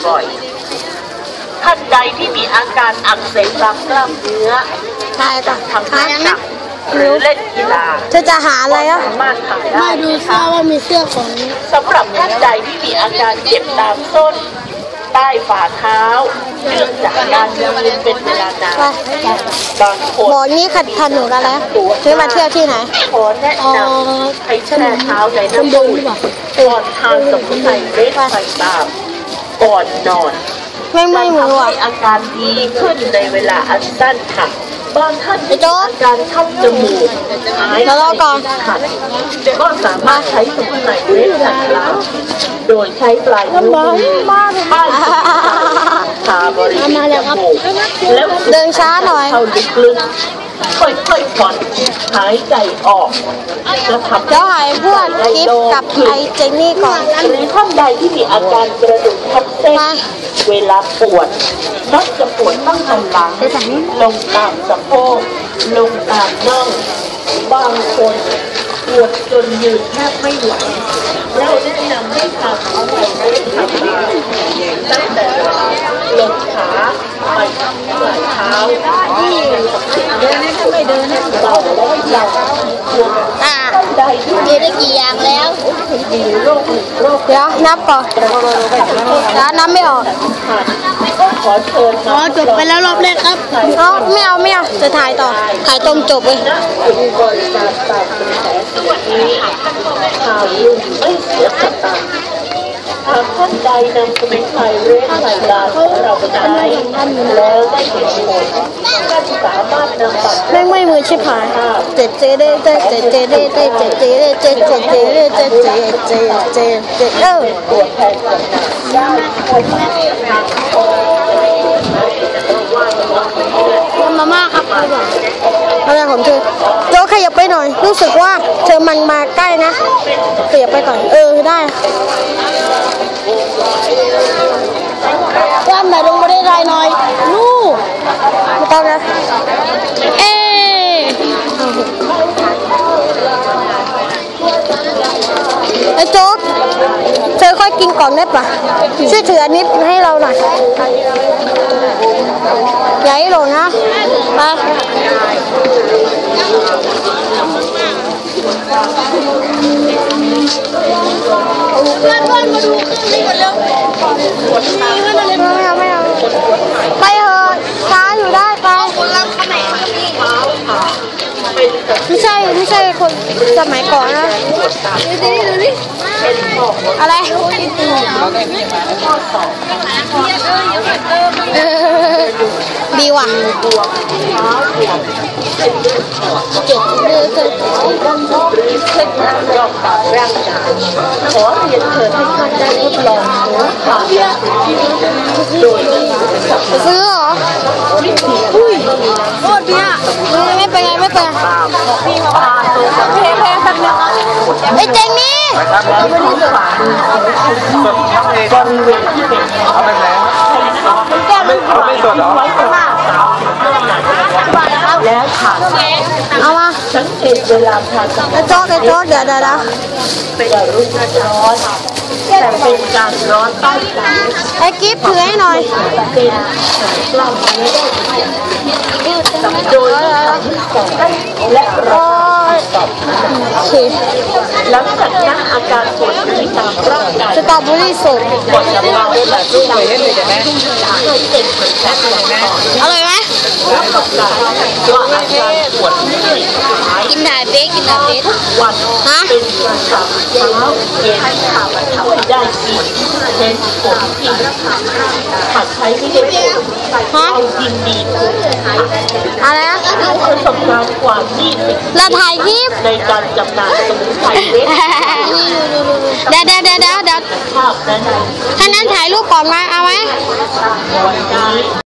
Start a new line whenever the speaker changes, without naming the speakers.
บ่อยๆท่านใดที่มีอาการอักเสบตามกล้ามเนื้อทำท่าหนักหรือเล่นกีฬา
จะหาอะไรอ่ะ
สามารถทำได้
มาดูเสื้อว่ามีเสื้อของ
สำหรับท่านใดที่มีอาการเจ็บตามส้นใต้ฝ่าเท้าเนื่องจากการยืนเป็นเวลานานบางคน
บอกนี้ขัดทันหนูแล้วนะซื้อมาเที่ยวที่ไหน
ขอแนะนำให้แช่เท้าในน้ำอุ่นก่อนทานสมุนไพรเม็ดไผ่ตามก่อนนอน
ไม่เหมือน
ให้อาการดีขึ้นในเวลาอันสั้นค่ะบางท่านมีอาการเข้าจมูกหายใจขัดก็สามารถใช้สมุนไพรเม็ดขัดล้างโดยใช้ปลายนิ้วมือป้ายทาบริเวณจมูกแล้ว
เดินช้าหน่อย
เข้าลึกๆค่อยๆผ่อนหายใจออกจะทำ
เดี๋ยวหายพวกกิฟกับไอเจนนี่ก่อน
หรือท่านใดที่มีอาการกระดูกทับเส้นเวลาปวดมักจะปวดตั้งแต่หลังลงตามสะโพกลงตามน่องบางคนปวดจนยืนแทบไม่ไหวเราแนะนำให้ทำเอาไว้ทำได้ตั้งแต่ลงขาไปปลายเท้าที่เดินไม่เดินเราได้
ได้กี่อย่างแล้วเดี๋ยวนับก่อนแล้วนับไม่ออกจบไปแล้วรอบแรกครับไม่เอาจะถ่ายต่อถ่ายตรงจบเลย
ข่าวลือไม่เสียสตางค์หากท่านใดนำสมุนไพรเรดไผ่ดาของเราไปใช้แล้วได้เห็นผลท่านสามารถนำบัตร
ไม่มือชิบหายเจ็ดเจเดเจ็ดเจเดเจ็ดเจเดเจ็ดเจเดเจ็ดเจเดเจ็ดเจเด
ตัวแทนได้
มาม่าครับอะไรของเธอโจ้ขยับไปหน่อยรู้สึกว่าเธอมันมาใกล้นะขยับไปก่อนได้ว่าแบบลงมาได้ไรหน่อยนู่ไม่ต้องนะไอ้โจ๊กเธอค่อยกินก่อนได้ปะช่วยถืออันนี้ให้เราหน่อยอย่าให้หล่นนะไปเพื่อนมาดูเครื่องนี้ก่อนเร็วไม่เอาไปเถอะช้าอยู่ได้ไปไม่ใช่คนสมัยก่อนนะดูดิอะไรดีว่ะเจ็บเลยเช็คยอดตามร่างกายขอเรียนเชิญให้ท่านได้ทดลองผ่านโดยซื้อเหรออุ้ยโคตรดีอ่ะไม่เป็นไงไม่เป็นเพลสักนิดไอ้เจงนี่
บริเวณที่เป็น
เอาไปแล้วไม่สดหรอ
แล้วผ่าน
เอามา
สังเกตเวลาผ่าน
ไอ้โจ๊กเดี๋ยว
เป็นรุ่นร้อนแต่เป็นการร้อนใต้ใจ
ไอ้กิฟต์ถือให้หน่อย
เป็นกล้ามเนื้อโดยและร้อนหลังจากนั้นอาการปวดที่ตามร่างกาย
สตรอเบอรี่สด
ปวดกำลังเป็นแบบรูปเลยเห็นไหมเคยเป็นเหมือนกัน
อร่อยไหม
แล้วก็การว่าอาการปวดที่
กินถ่ายเป๊ก
วันเป็นประจำเช้าเย็นข่าวบรรเทาได้ดีเห็นผลจริงหากใช้ไม่ได้ผลเรายินดี
อะไรนะ
ประสบการณ์กว่า20
เราถ่ายคลิป
ในการจำหน่ายสมุนไพรเม็ด
เดี๋ยวถ้านั้นถ่ายรูปก่อนมาเอาไหม